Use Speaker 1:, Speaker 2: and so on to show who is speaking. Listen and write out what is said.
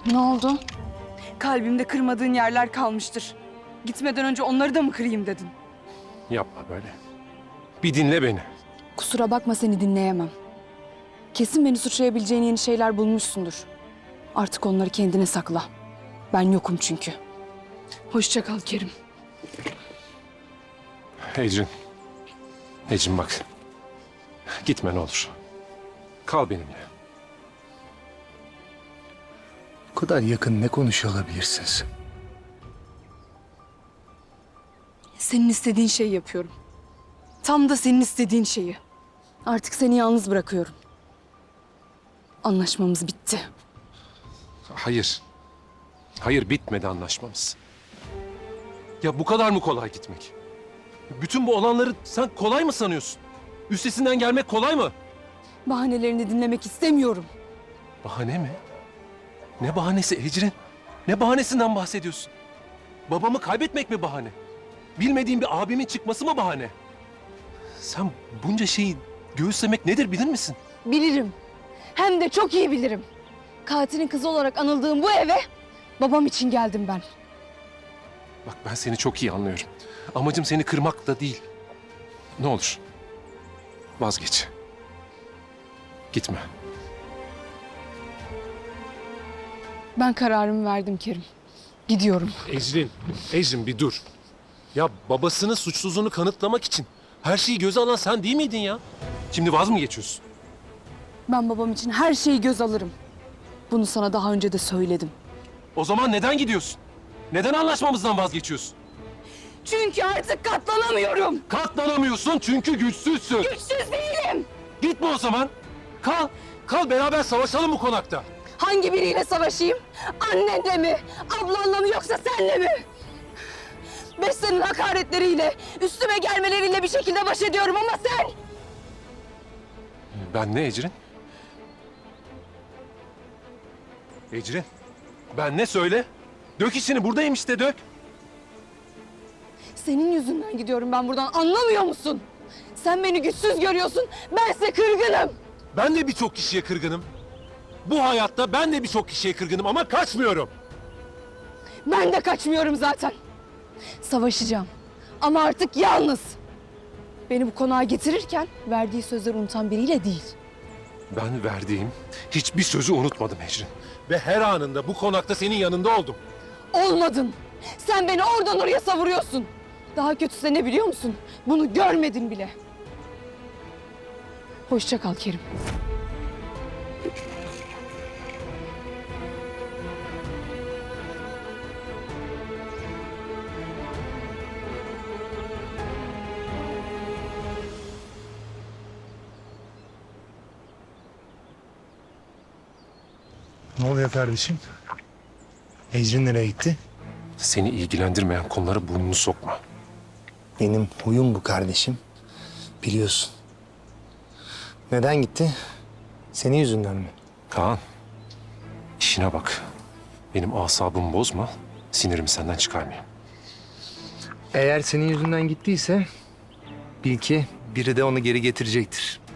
Speaker 1: Ne oldu?
Speaker 2: Kalbimde kırmadığın yerler kalmıştır. Gitmeden önce onları da mı kırayım dedin?
Speaker 3: Yapma böyle. Bir dinle beni.
Speaker 2: Kusura bakma, seni dinleyemem. Kesin beni suçlayabileceğin yeni şeyler bulmuşsundur. Artık onları kendine sakla. Ben yokum çünkü. Hoşça kal Kerim.
Speaker 3: Ecrin. Ecrin bak. Gitme ne olur. Kal benimle.
Speaker 4: Bu kadar yakın ne konuşuyor olabilirsiniz?
Speaker 2: Senin istediğin şeyi yapıyorum. Tam da senin istediğin şeyi. Artık seni yalnız bırakıyorum. Anlaşmamız bitti.
Speaker 3: Hayır. Hayır, bitmedi anlaşmamız. Ya bu kadar mı kolay gitmek? Bütün bu olanları sen kolay mı sanıyorsun? Üstesinden gelmek kolay mı?
Speaker 2: Bahanelerini dinlemek istemiyorum.
Speaker 3: Bahane mi? Ne bahanesi Ecrin? Ne bahanesinden bahsediyorsun? Babamı kaybetmek mi bahane? Bilmediğim bir abimin çıkması mı bahane? Sen bunca şeyi göğüslemek nedir bilir misin?
Speaker 2: Bilirim. Hem de çok iyi bilirim. Katilin kızı olarak anıldığım bu eve babam için geldim ben.
Speaker 3: Bak ben seni çok iyi anlıyorum. Amacım seni kırmak da değil. Ne olur vazgeç. Gitme.
Speaker 2: Ben kararımı verdim Kerim. Gidiyorum.
Speaker 3: Ecrin bir dur. Ya babasının suçsuzluğunu kanıtlamak için her şeyi göze alan sen değil miydin ya? Şimdi vaz mı geçiyorsun?
Speaker 2: Ben babam için her şeyi göz alırım. Bunu sana daha önce de söyledim.
Speaker 3: O zaman neden gidiyorsun? Neden anlaşmamızdan vazgeçiyorsun?
Speaker 2: Çünkü artık katlanamıyorum.
Speaker 3: Katlanamıyorsun çünkü güçsüzsün.
Speaker 2: Güçsüz değilim.
Speaker 3: Gitme o zaman. Kal. Kal beraber savaşalım bu konakta.
Speaker 2: Hangi biriyle savaşayım? Annenle mi? Ablanla mı yoksa senle mi? Beste'nin hakaretleriyle, üstüme gelmeleriyle bir şekilde baş ediyorum ama sen...
Speaker 3: Ben ne Ecrin? Ecrin, ben ne söyle? Dök içini, buradayım işte dök.
Speaker 2: Senin yüzünden gidiyorum ben buradan, anlamıyor musun? Sen beni güçsüz görüyorsun, bense kırgınım.
Speaker 3: Ben de birçok kişiye kırgınım. Bu hayatta ben de birçok kişiye kırgınım ama kaçmıyorum.
Speaker 2: Ben de kaçmıyorum zaten. Savaşacağım ama artık yalnız. Beni bu konağa getirirken verdiği sözleri unutan biriyle değil.
Speaker 3: Ben verdiğim hiçbir sözü unutmadım Ecrin. Ve her anında bu konakta senin yanında oldum.
Speaker 2: Olmadın. Sen beni oradan oraya savuruyorsun. Daha kötüsü ne biliyor musun? Bunu görmedin bile. Hoşça kal Kerim.
Speaker 4: Ne oluyor kardeşim? Ecrin nereye gitti?
Speaker 3: Seni ilgilendirmeyen konulara burnunu sokma.
Speaker 4: Benim huyum bu kardeşim. Biliyorsun. Neden gitti? Senin yüzünden mi?
Speaker 3: Kaan, işine bak. Benim asabımı bozma, sinirimi senden çıkarmayayım.
Speaker 4: Eğer senin yüzünden gittiyse bil ki biri de onu geri getirecektir.